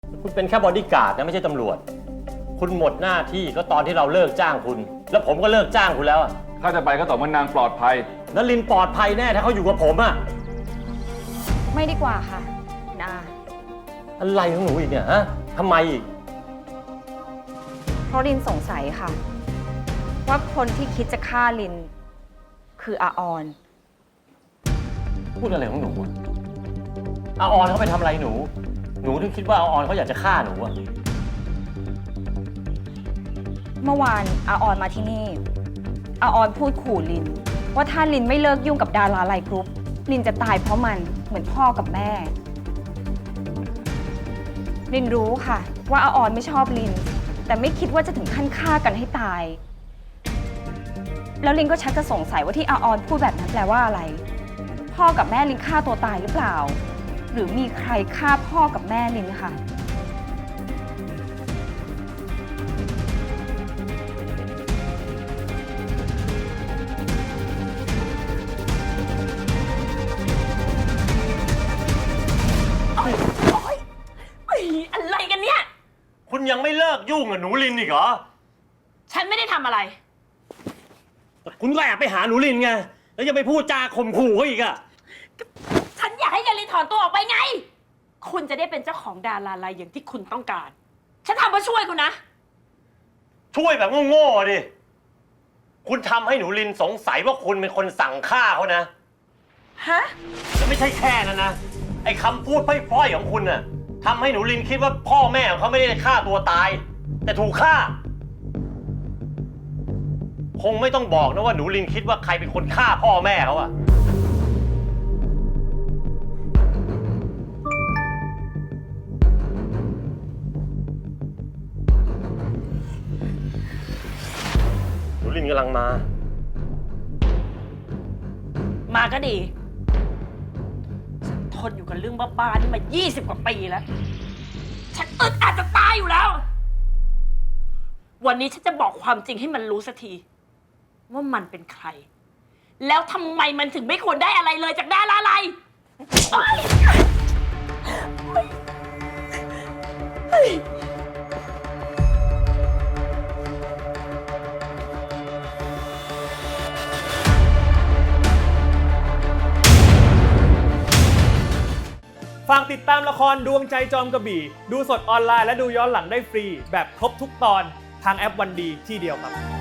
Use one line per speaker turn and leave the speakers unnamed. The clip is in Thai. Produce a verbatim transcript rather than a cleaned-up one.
คุณเป็นแค่บอดี้การ์ดนะไม่ใช่ตำรวจคุณหมดหน้าที่ก็ตอนที่เราเลิกจ้างคุณแล้วผมก็เลิกจ้างคุณแล้ว
ถ้าจะไปก็ต่อเมื่อนางปลอดภัย
นลินปลอดภัยแน่ถ้าเขาอยู่กับผมอะ
ไม่ดีกว่าค่ะนา
อะไรของหนูอีกเนี่ยฮะทำไมอีก
เพราะลินสงสัยค่ะ ว่าคนที่คิดจะฆ่าลิน คืออาออน
พูดอะไรของหนูอาออนเขาไปทำอะไรหนูหนูถึงคิดว่าอาออนเขาอยากจะฆ่าหนูอะ
เมื่อวานอาออนมาที่นี่อาออนพูดขู่ลินว่าถ้าลินไม่เลิกยุ่งกับดาราไลน์กรุ๊ปลินจะตายเพราะมันเหมือนพ่อกับแม่ลินรู้ค่ะว่าอาออนไม่ชอบลินแต่ไม่คิดว่าจะถึงขั้นฆ่ากันให้ตายแล้วลินก็ชักจะสงสัยว่าที่อาออนพูดแบบนั้นแปลว่าอะไรพ่อกับแม่ลินฆ่าตัวตายหรือเปล่าหรือมีใครฆ่าพ่อกับแม่ลินค่ะ
อะไรกันเนี่ย
คุณยังไม่เลิกยุ่งกับหนูลินอีกเหรอ
ฉันไม่ได้ทำอะไร
คุณก็แอบไปหาหนูลินไงแล้วยังไปพูดจาข่มขู่เขาอีกอะ
ฉันอยากให้ยาลินถอนตัวออกไปไงคุณจะได้เป็นเจ้าของดาราไลน์อย่างที่คุณต้องการฉันทำเพื่อช่วยคุณนะ
ช่วยแบบโง่ๆดิคุณทำให้หนูลินสงสัยว่าคุณเป็นคนสั่งฆ่าเขานะ
ฮะ
แล้วไม่ใช่แค่นั้นนะไอ้คำพูดพร่อยๆของคุณน่ะทำให้หนูลินคิดว่าพ่อแม่ของเขาไม่ได้ฆ่าตัวตายแต่ถูกฆ่าคงไม่ต้องบอกนะว่าหนูลินคิดว่าใครเป็นคนฆ่าพ่อแม่เขาอะหนูลินกำลังมา
มาก็ดีฉันทนอยู่กับเรื่องบ้าๆนี่มายี่สิบกว่าปีแล้วฉันอึดอัดจะตายอยู่แล้ววันนี้ฉันจะบอกความจริงให้มันรู้สักทีว่ามันเป็นใครแล้วทำไมมันถึงไม่ควรได้อะไรเลยจากดาราไลน์
ฝากติดตามละครดวงใจจอมกระบี่ดูสดออนไลน์และดูย้อนหลังได้ฟรีแบบครบทุกตอนทางแอปวันดีที่เดียวครับ